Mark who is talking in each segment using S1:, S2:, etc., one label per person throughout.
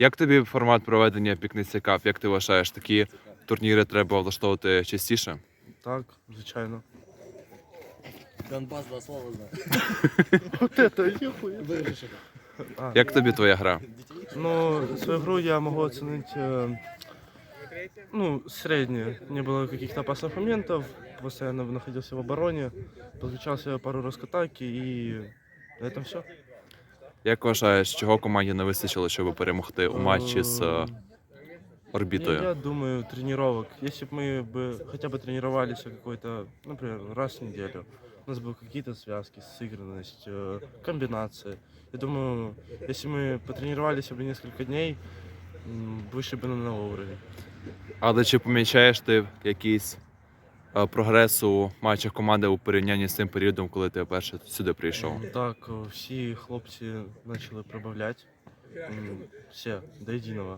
S1: Як тобі формат проведення Пікниці Кап? Як ти вважаєш, такі турніри треба влаштовувати частіше?
S2: Так, звичайно.
S3: Донбас два слова знаю.
S2: Вот это ехуя.
S3: Вырежешь это.
S1: Як тобі твоя гра?
S2: Ну, свою игру я могу оценить, средне. Не было каких-то опасных моментов, постоянно находился в обороне, подключался пару раз к атаке и на этом все.
S1: Як вважаєш, чого команді не вистачило, щоб перемогти у матчі з орбітою?
S2: Я думаю, тренировок. Если бы мы хотя бы тренировались какой-то, например, раз в неделю, у нас были какие-то связки, сыгранность, комбинации. Я думаю, если мы потренировались бы несколько дней, вышли бы на новый уровень.
S1: Але чи помічаєш ти якийсь прогрес у матчах команди у порівнянні з тим періодом, коли ти вперше сюди прийшов?
S2: Так, всі хлопці почали прибавляти. Все, до єдиного.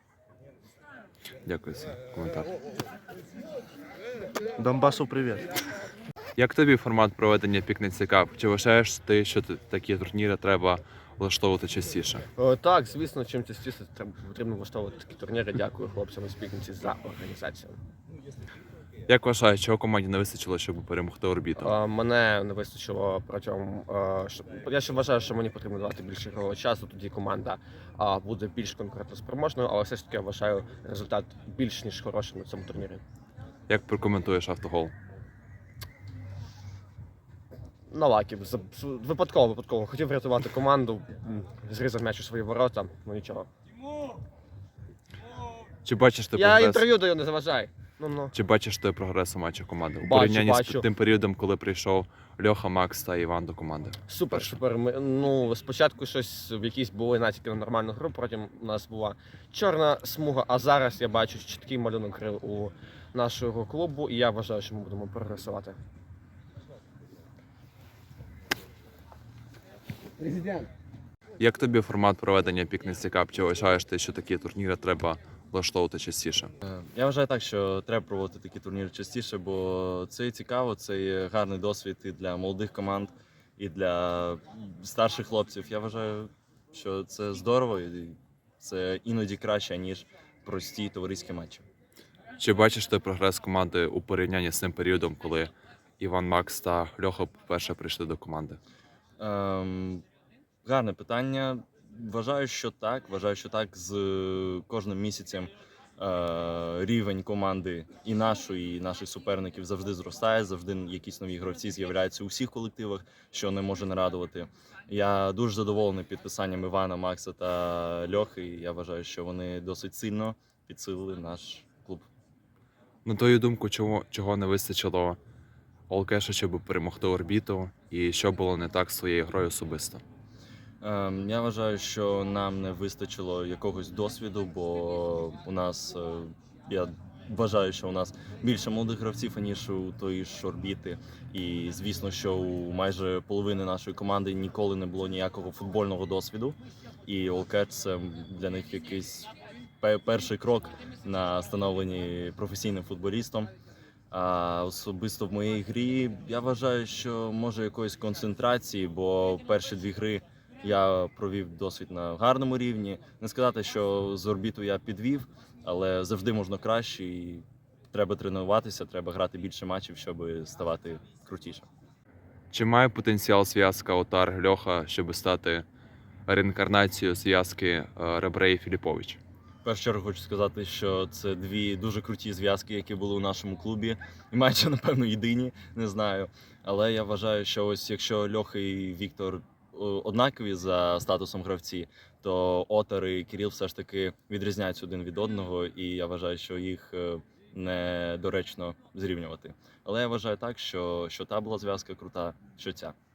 S1: Дякую за коментар.
S2: Донбасу привіт.
S1: Як тобі формат проведення Пікниці Кап? Чи вважаєш ти, що такі турніри треба влаштовувати частіше?
S3: Так, звісно, чим частіше потрібно влаштовувати такі турніри. Дякую хлопцям із Пікниці за організацію.
S1: Як вважаєш, чого команді не вистачило, щоб перемогти орбіту?
S3: Мене не вистачило протягом. Я ще вважаю, що мені потрібно давати більше ігрового часу, тоді команда буде більш конкурентоспроможною, але все ж таки я вважаю результат більш ніж хороший на цьому турнірі.
S1: Як прокоментуєш автогол?
S3: На лакі. Випадково. Хотів врятувати команду, зрізав м'яч у свої ворота, ну нічого.
S1: Чи бачиш ти
S3: Я
S1: прогрес?
S3: інтерв'ю даю, не заважай. Ну.
S1: Чи бачиш ти прогрес у матчах команди? У
S3: Бачу,
S1: порівнянні
S3: бачу.
S1: з тим періодом, коли прийшов Льоха, Макс та Іван до команди?
S3: Супер. Спочатку щось в якісь були натяки на нормальну гру, потім у нас була чорна смуга, а зараз я бачу чіткий малюнок гри у нашого клубу, і я вважаю, що ми будемо прогресувати. Президент.
S1: Як тобі формат проведення Пікниці Кап? Чи вважаєш ти, що такі турніри треба влаштовувати частіше?
S4: Я вважаю так, що треба проводити такі турніри частіше, бо це цікаво, це є гарний досвід і для молодих команд, і для старших хлопців. Я вважаю, що це здорово і це іноді краще, ніж прості товариські матчі.
S1: Чи бачиш ти прогрес команди у порівнянні з тим періодом, коли Іван, Макс та Льоха вперше прийшли до команди?
S4: Гарне питання. Вважаю, що так. З кожним місяцем рівень команди і наших суперників завжди зростає, завжди якісь нові гравці з'являються у всіх колективах, що не може не радувати. Я дуже задоволений підписанням Івана, Макса та Льохи. Я вважаю, що вони досить сильно підсилили наш клуб.
S1: На твою думку, чого не вистачило Олкеша, щоб перемогти орбіту, і що було не так з своєю грою особисто?
S4: Я вважаю, що нам не вистачило якогось досвіду, бо я вважаю, що у нас більше молодих гравців, ніж у тої ж орбіти. І звісно, що у майже половини нашої команди ніколи не було ніякого футбольного досвіду. І Олкеш – це для них якийсь перший крок на становленні професійним футболістом. А особисто в моїй грі я вважаю, що може якоїсь концентрації, бо перші дві гри я провів досвід на гарному рівні. Не сказати, що з орбіту я підвів, але завжди можна краще і треба тренуватися, треба грати більше матчів, щоб ставати крутіше.
S1: Чи має потенціал зв'язка Отар-Льоха, щоб стати реінкарнацією зв'язки Ребре і Філіпович?
S4: В першу чергу хочу сказати, що це дві дуже круті зв'язки, які були у нашому клубі. І майже, напевно, єдині, не знаю. Але я вважаю, що ось якщо Льоха і Віктор однакові за статусом гравці, то Отар і Кирил все ж таки відрізняються один від одного, і я вважаю, що їх недоречно зрівнювати. Але я вважаю так, що та була зв'язка крута, що ця.